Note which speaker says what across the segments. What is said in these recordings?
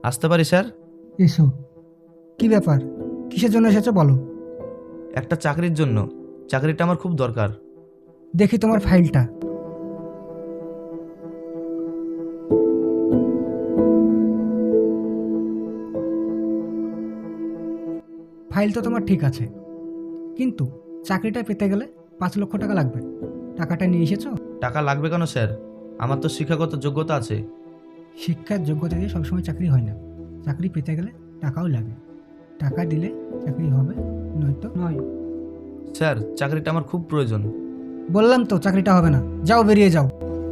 Speaker 1: আসতে পারি স্যার?
Speaker 2: এসো। কি ব্যাপার, কিসের জন্য এসেছো বলো।
Speaker 1: একটা চাকরির জন্য। চাকরিটা আমার খুব দরকার।
Speaker 2: দেখি তোমার ফাইলটা। ফাইল তো তোমার ঠিক আছে, কিন্তু চাকরিটা পেতে গেলে 5 লক্ষ টাকা লাগবে। টাকাটা নিয়ে এসেছো?
Speaker 1: টাকা লাগবে কেন স্যার? আমার তো শিক্ষাগত যোগ্যতা আছে।
Speaker 2: শিক্ষার যোগ্যতা দিয়ে সবসময় চাকরি হয় না। চাকরি পেতে গেলে টাকাও লাগে। টাকা দিলে চাকরি হবে, নয়তো নয়।
Speaker 1: স্যার, চাকরিটা আমার খুব প্রয়োজন।
Speaker 2: বললাম তো চাকরিটা হবে না, যাও বেরিয়ে যাও।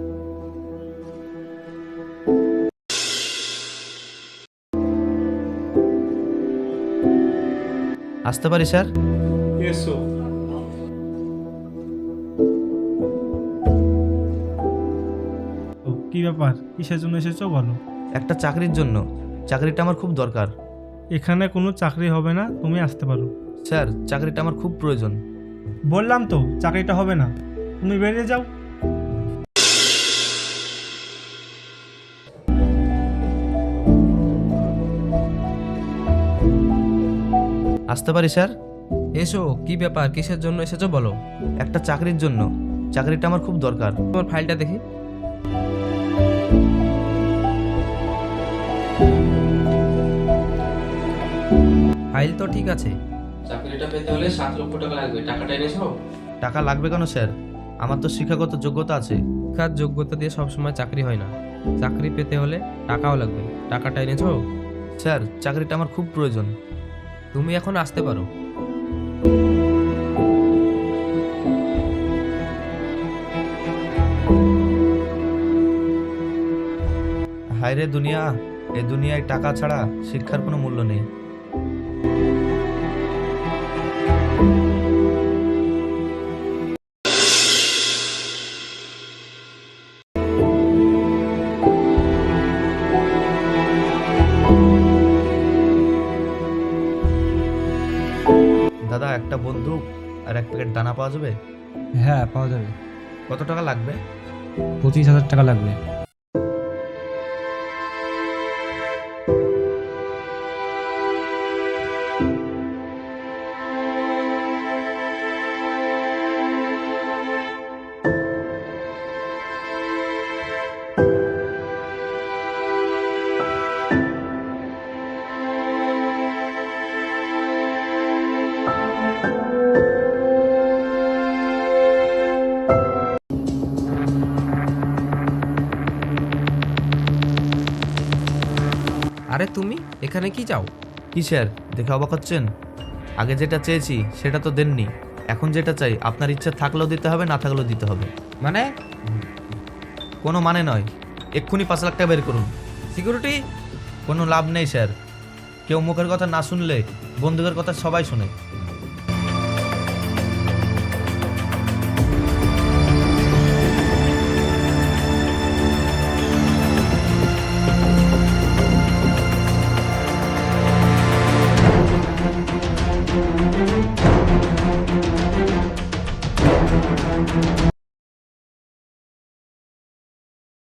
Speaker 1: আসতে পারি স্যার?
Speaker 3: এসো। কি ব্যাপার, কিসের জন্য এসেছো বলো।
Speaker 1: একটা চাকরির জন্য। চাকরিটা আমার খুব দরকার।
Speaker 3: এখানে কোনো চাকরি হবে না, তুমি আসতে পারো।
Speaker 1: স্যার, চাকরিটা আমার খুব প্রয়োজন।
Speaker 3: বললাম তো চাকরিটা হবে না, তুমি বেরিয়ে যাও।
Speaker 1: আসতে পারি স্যার?
Speaker 4: এসো। কি ব্যাপার, কিসের জন্য এসেছো বলো।
Speaker 1: একটা চাকরির জন্য। চাকরিটা আমার খুব দরকার।
Speaker 4: তোমার ফাইলটা দেখি। ফাইল তো ঠিক আছে। চাকরিটা পেতে হলে 7 লক্ষ টাকা লাগবে। টাকাটা এনেছো?
Speaker 1: টাকা লাগবে কেন স্যার? আমার তো শিক্ষাগত যোগ্যতা আছে।
Speaker 4: শিক্ষার যোগ্যতা দিয়ে সবসময় চাকরি হয় না। চাকরি পেতে হলে টাকাও লাগবে। টাকাটা এনেছো?
Speaker 1: স্যার, চাকরিটা আমার খুব প্রয়োজন।
Speaker 4: তুমি এখন আসতে পারো।
Speaker 1: হায় রে দুনিয়া! এই দুনিয়ায় টাকা ছাড়া শিক্ষার কোনো মূল্য নেই। দাদা, একটা বন্দুক আর এক প্যাকেট দানা পাওয়া যাবে?
Speaker 5: হ্যাঁ, পাওয়া যাবে।
Speaker 1: কত টাকা লাগবে?
Speaker 5: 25,000 টাকা লাগবে।
Speaker 4: আরে তুমি এখানে কি চাও?
Speaker 1: কি স্যার, দেখে অবাক হচ্ছেন? আগে যেটা চেয়েছি সেটা তো দেননি। এখন যেটা চাই আপনার ইচ্ছা থাকলেও দিতে হবে, না থাকলেও দিতে হবে।
Speaker 4: মানে?
Speaker 1: কোনো মানে নয়। এক্ষুনি 5 লাখ টাকা বের করুন।
Speaker 4: সিকিউরিটি?
Speaker 1: কোনো লাভ নেই স্যার। কেউ মুখের কথা না শুনলে বন্দুকের কথা সবাই শোনে।